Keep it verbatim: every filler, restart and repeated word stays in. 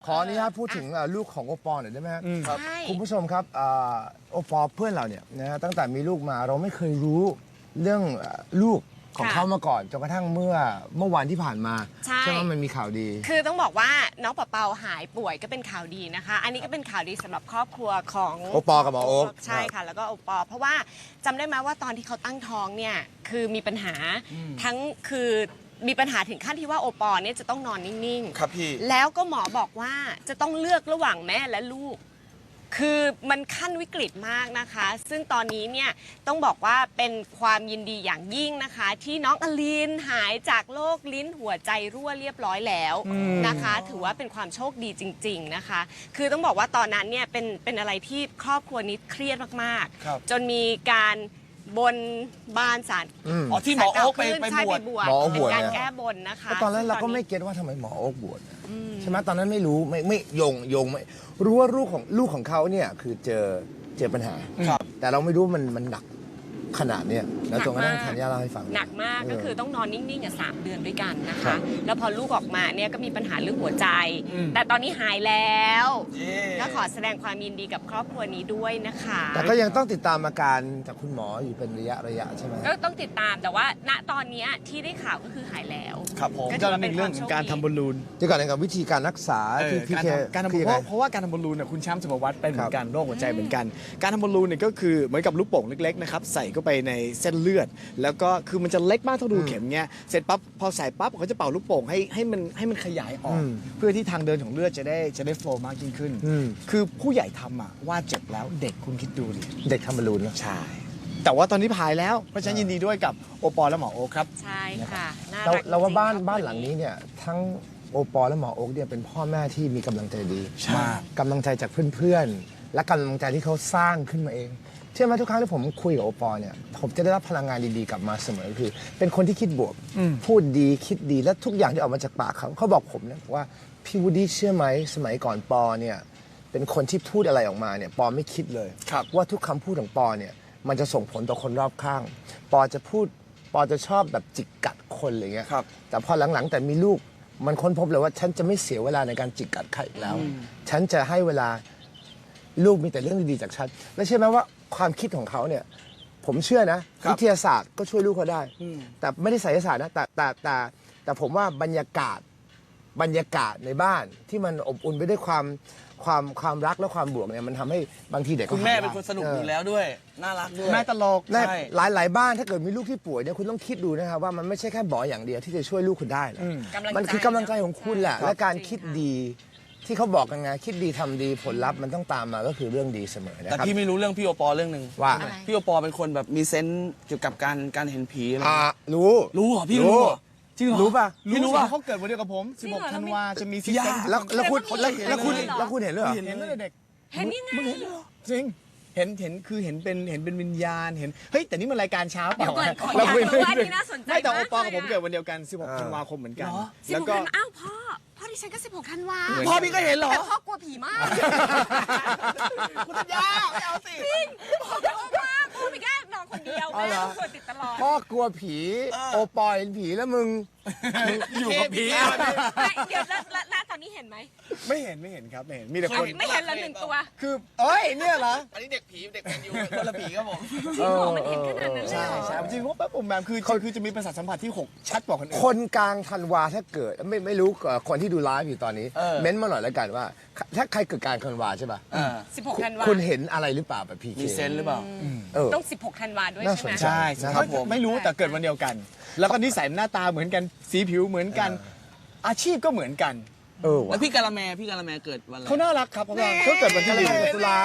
ขออนุญาตพูดถึงลูกของโอปอลหน่อยได้ไหมครับใช่คุณผู้ชมครับโอปอลเพื่อนเราเนี่ยนะฮะตั้งแต่มีลูกมาเราไม่เคยรู้เรื่องลูกของเขามาก่อนจนกระทั่งเมื่อเมื่อวันที่ผ่านมาใช่ใช่ไหมมันมีข่าวดีคือต้องบอกว่าน้องเปาเปาหายป่วยก็เป็นข่าวดีนะคะ อันนี้ก็เป็นข่าวดีสำหรับครอบครัวของโอปอกับหมอโอ๊คใช่ค่ะแล้วก็โอปอเพราะว่าจำได้ไหมว่าตอนที่เขาตั้งท้องเนี่ยคือมีปัญหาทั้งคือมีปัญหาถึงขั้นที่ว่าโอปอเนี่ยจะต้องนอนนิ่งๆครับพี่แล้วก็หมอบอกว่าจะต้องเลือกระหว่างแม่และลูก คือมันขั้นวิกฤตมากนะคะ ซึ่งตอนนี้เนี่ยต้องบอกว่าเป็นความยินดีอย่างยิ่งนะคะ ที่น้องอลินหายจากโรคลิ้นหัวใจรั่วเรียบร้อยแล้วนะคะ ถือว่าเป็นความโชคดีจริงๆนะคะ คือต้องบอกว่าตอนนั้นเนี่ยเป็นเป็นอะไรที่ครอบครัวนี้เครียดมากครับๆ จนมีการบนบานสารอืมอ๋อที่หมอโอ๊คไปศาลไปใช่บวชบวชหมอโอ๊คเป็บวชนการเนี่ยแก้บนนะคะแล้วตอนนั้นเราก็ไม่ซึ่งเก็ตว่าทำไมหมอโอ๊คบวชใช่ไหมตอนนั้นไม่รู้ไม่ไม่โยงโยงไม่รู้ว่าลูกของลูกของเขาเนี่ยคือเจอเจอปัญหาครับแต่เราไม่รู้มันมันหนักขนาดเนี้ยแล้วจนกระทั่งธัญญาเล่าให้ฟังหนักมากเออก็คือต้องนอนนิ่งๆอ่ะสามเดือนด้วยกันนะครัคะบแล้วพอลูกออกมาเนี่ยก็มีปัญหาเรื่องหัวใจอืมแต่ตอนนี้หายแล้วเย้ก็ขอแสดงความยินดีกับครอบครัวนี้ด้วยนะคะแต่ก็ยังต้องติดตามอาการจากคุณหมออยู่เป็นระยะระยะใช่ไหมก็ต้องติดตามแต่ว่าณตอนเนี้ยที่ได้ข่าวก็คือหายแล้วครับผมก็ก็เป็นเรื่องของการทำบอลลูนเดี๋ยวก่อนนะครับวิธีการรักษาเอที่อพี่การเคทำการทำบอคืลอเพยังไงราะเพราะว่าการทำบอลลูนเนี่ยคุณแชมป์สุภวัตเป็นเหมือครันบกันโรคหัวใจเหมือนกัน การทำบอลลูนเนี่ยก็คือเหมือนกับลูกโป่งเล็กๆนะครับใส่เข้าไปในเส้นเลือด แล้วก็คือมันจะเล็กมากเท่ารูเข็มเงี้ยเสร็จปั๊บพอใส่ปั๊บเขาจะเป่าลูกโป่งให้ให้มันให้มันขยายออกอืมเพื่อที่ทางเดินของเลือดจะได้จะได้โฟล์มากยิ่งขึ้นอืมคือผู้ใหญ่ทำอะว่าเจ็บแล้วเด็กคุณคิดดูดิเด็กทำบอลลูนเนอะใช่แต่ว่าตอนนี้พายแล้วเพราะฉะนั้นยินดีด้วยกับโอปอลและหมอโอคครับใช่ค่ะน่าเรารักเราว่าจงๆบ้านครอบครัวบ้านหลังนี้เนี่ยทั้งโอปอและหมอโอ๊กเนี่ยเป็นพ่อแม่ที่มีกำลังใจดีใช่มากกำลังใจจากเพื่อนๆ และกำลังใจที่เขาสร้างขึ้นมาเองเชื่อไหมทุกครั้งที่ผมคุยกับโอปอเนี่ยผมจะได้รับพลังงานดีๆกลับมาเสมอคือ เป็นคนที่คิดบวก พูดดีคิดดีและทุกอย่างที่ออกมาจากปากเขาเขาบอกผมเนี่ยว่าพี่วูดดี้เชื่อไหมสมัยก่อนปอเนี่ยเป็นคนที่พูดอะไรออกมาเนี่ยปอไม่คิดเลยครับว่าทุกคำพูดของปอเนี่ยมันจะส่งผลต่อคนรอบข้าง ปอจะพูดปอจะชอบแบบจิกกัดคนอะไรเงี้ยครับแต่พอหลังๆแต่มีลูกมันค้นพบเลยว่าฉันจะไม่เสียเวลาในการจิกกัดใครอีกแล้ว ฉันจะให้เวลาลูกมีแต่เรื่องดีๆจากฉันและเชื่อไหมว่าความคิดของเขาเนี่ยผมเชื่อนะครับวิทยาศาสตร์ก็ช่วยลูกเขาได้ แต่ไม่ได้ไสยศาสตร์นะแต่แต่แต่แต่ผมว่าบรรยากาศบรรยากาศในบ้านที่มันอบอุ่นไปด้วยความความความรักและความบวกเนี่ยมันทำให้บางทีเด็กก็คุณแม่หายเป็นคนสนุกเอยู่แล้วด้วย น่ารักด้วยแม่ตลกในใช่หลายหลายบ้านถ้าเกิดมีลูกที่ป่วยเนี่ยคุณต้องคิดดูนะครับว่ามันไม่ใช่แค่หมออย่างเดียวที่จะช่วยลูกคุณได้นะกำลังใจมันคือกำลังใจของคุณแหละใช่และการจริงคิดค่ะดีที่เขาบอกกันไงคิดดีทำดีผลลัพธ์มันต้องตามมาก็คือเรื่องดีเสมอนะแต่ครับพี่ไม่รู้เรื่องพี่โอปอเรื่องหนึ่งว่าอะไรพี่โอปอเป็นคนแบบมีเซนส์เกี่ยวกับการการเห็นผีอะไรอ่ารู้รู้เหรอพี่รู้เหรอจริงเหรอรู้ป่ะพี่รู้ป่ะเขาเกิดวันเดียวกับผมจริงเหรอ 16 ธันวาจะมีพี่ยาแล้วแล้วคุณแล้แล้ววมันมีแล้วคุณเห็นเลยเหรอแล้วคุณเห็นด้วยเหรอเห็นตั้งแต่เด็กเห็นยังไงจริง เห็นเห็นคือเห็นเป็นเห็นเป็นวิญญาณเห็นเฮ้ยแต่นี่มันรายการเช้าเปล่าเดี๋ยวก่อนขอเราคุยอยากรู้ว่านี่น่าสนใจไม่แต่โอปอมากกับเลยผมอะเกิดวันเดียวกัน 16 อ่าธันวาคมเหมือนกันเหรอสิบแล้หวกก็ธันวาอ้าวพ่อพ่อดิฉันก็สิบหกธันวาเหมือนพ่อพี่ก็เห็นเหรอแต่พ่อกลัวผีมากคุณธัญญาไม่เอาสิพ่อกลัวมากพ่อไม่กล้านอนคนเดียวเอาแม่เหรอต้องคอยติดตลอดพ่อกลัวผีโอปอยเห็นผีแล้วมึงอยู่กับผีไม่เดี๋ยวแล้วแล้วแล้วตอนนี้เห็นไหมไม่เห็นไม่เห็นครับไม่เห็นมีแต่คนไม่เห็นแล้วหนึ่งตัวคือเอ้ยเนี่ยเหรออันนี้เด็กผีเด็กแมนยูคนละผีครับผมจริงเหรอมันเห็นขนาดนั้นเลยใช่เหรอใช่จริงๆว่าแป๊บผมแบบคือคือคือจะมีประสาทสัมผัสที่หกชัดกว่าคนอื่นคนกลางธันวาถ้าเกิดไม่ไม่รู้เอ่อคนที่ดูไลฟ์อยู่ตอนนี้เออเม้นต์มาหน่อยแล้วกันว่า ถ้าใครเกิดกลางธันวาใช่ป่ะอ่าสิบหกธันวาคุณเห็นอะไรหรือเปล่าแบบพีเคมีเซนส์หรือเปล่าเออต้องสิบหกธันวาด้วยน่าใช่ไหมสนใจใช่นะคครัรับ บผมไม่รู้แต่เกิดวันเดียวกัน แล้วก็นิสัยหน้าตาเหมือนกันสีผิวเหมือนกัน อาชีพก็เหมือนกันเออแล้วว่ะพี่กาละแมพี่กาละแมเกิดวันอะไรเขาน่ารักครับเขาน่ารักเขาเกิดวันที่หนึ่งตุลา